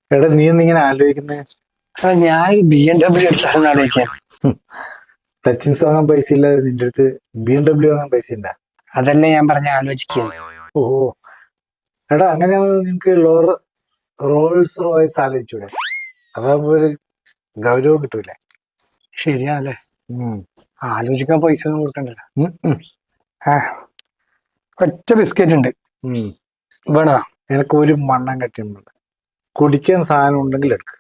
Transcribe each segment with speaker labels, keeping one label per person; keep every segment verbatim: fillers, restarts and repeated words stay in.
Speaker 1: എടാ നീ എന്തിങ്ങനെ ആലോചിക്കുന്നേ?
Speaker 2: ഞാൻ ബി എം ഡബ്ല്യൂ എടുത്താൽ ആലോചിക്കാൻ.
Speaker 1: ടച്ചിങ്സ് വാങ്ങാൻ പൈസ ഇല്ലാതെ നിന്റെ അടുത്ത് ബി എം ഡബ്ല്യൂ വാങ്ങാൻ പൈസ ഉണ്ടാ?
Speaker 2: അതല്ലേ ഞാൻ പറഞ്ഞ ആലോചിക്കുന്നു.
Speaker 1: ഓ എടാ അങ്ങനെയാണെങ്കിൽ നിനക്ക് ലോർ റോൾസ് റോയ്സ് ആലോചിച്ചൂടെ? അതാകുമ്പോ ഒരു ഗൗരവം കിട്ടൂലേ?
Speaker 2: ശരിയാണല്ലേ, ആലോചിക്കാൻ പൈസ ഒന്നും കൊടുക്കണ്ടല്ലോ. ആ ഒറ്റ ബിസ്ക്കറ്റ് ഉണ്ട് വേണോ?
Speaker 1: എനിക്ക് ഒരു മണ്ണം കട്ടിയുണ്ട്. കുടിക്കാൻ സാധനം ഉണ്ടെങ്കിൽ എടുക്ക്.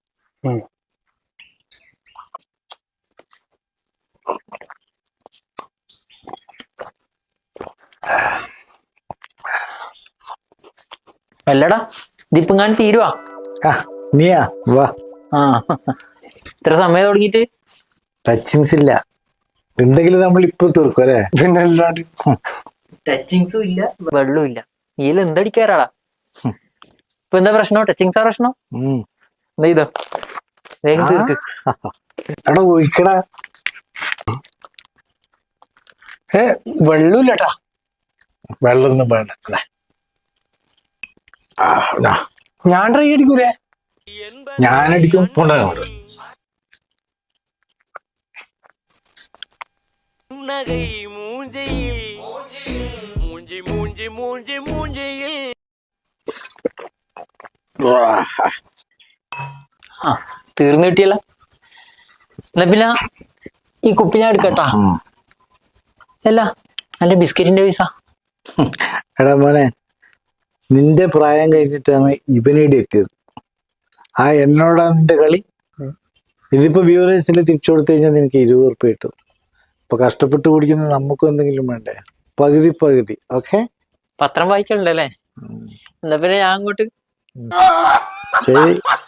Speaker 3: അല്ലടാ ഇതിപ്പങ്ങാൻ തീരുവാ?
Speaker 1: നീയാ വാ.
Speaker 3: ആ ഇത്ര സമയം തുടങ്ങിയിട്ട്
Speaker 1: ടച്ചിങ്സ് ഇല്ല, ഉണ്ടെങ്കിൽ നമ്മൾ ഇപ്പൊ തീർക്കും അല്ലേ?
Speaker 2: പിന്നെ അല്ലാണ്ട്
Speaker 3: ടച്ചിങ്സും ഇല്ല വെള്ളവും ഇല്ല. ഇതിൽ എന്തടിക്കാറാടാ? ഇപ്പൊ എന്താ പ്രശ്നം? ടച്ചിങ്സാ പ്രശ്നം? എന്താ ചെയ്തോ വേഗം തീർക്ക്.
Speaker 1: എടാ ഒഴിക്കടാ.
Speaker 2: ഏ വെള്ളമില്ലട്ടാ.
Speaker 1: വെള്ളമൊന്നും വേണ്ട.
Speaker 2: ഞാൻ ട്രൈ അടിക്കൂലേ?
Speaker 1: ഞാനടിക്കും. കൊണ്ടുപോയി
Speaker 4: நகை மூஞ்சையில் மூஞ்சி மூஞ்சி மூஞ்சி மூஞ்சியில்.
Speaker 3: ആ തീർന്നു കിട്ടിയല്ല. എന്നാ പിന്നെ ഈ കുപ്പി ഞാൻ എടുക്കട്ടാ. അല്ല അല്ല ബിസ്ക്കറ്റിന്റെ പൈസ.
Speaker 1: എടാ മോനെ, നിന്റെ പ്രായം കഴിച്ചിട്ടാണ് ഇവനേടി എത്തിയത്. ആ എന്നോടാ നിന്റെ കളി. ഇതിപ്പോ വ്യൂവേഴ്സിൽ തിരിച്ചു കൊടുത്തു കഴിഞ്ഞാൽ നിനക്ക് ഇരുപത് ഉറുപ്പ്യ കിട്ടും. ഇപ്പൊ കഷ്ടപ്പെട്ട് കുടിക്കുന്നത് നമുക്കും എന്തെങ്കിലും വേണ്ടേ? പകുതി പകുതി. ഓക്കെ,
Speaker 3: പത്രം വായിക്കണ്ടല്ലേ? എന്നാ പിന്നെ ഞാൻ അങ്ങോട്ട്
Speaker 1: ശരി.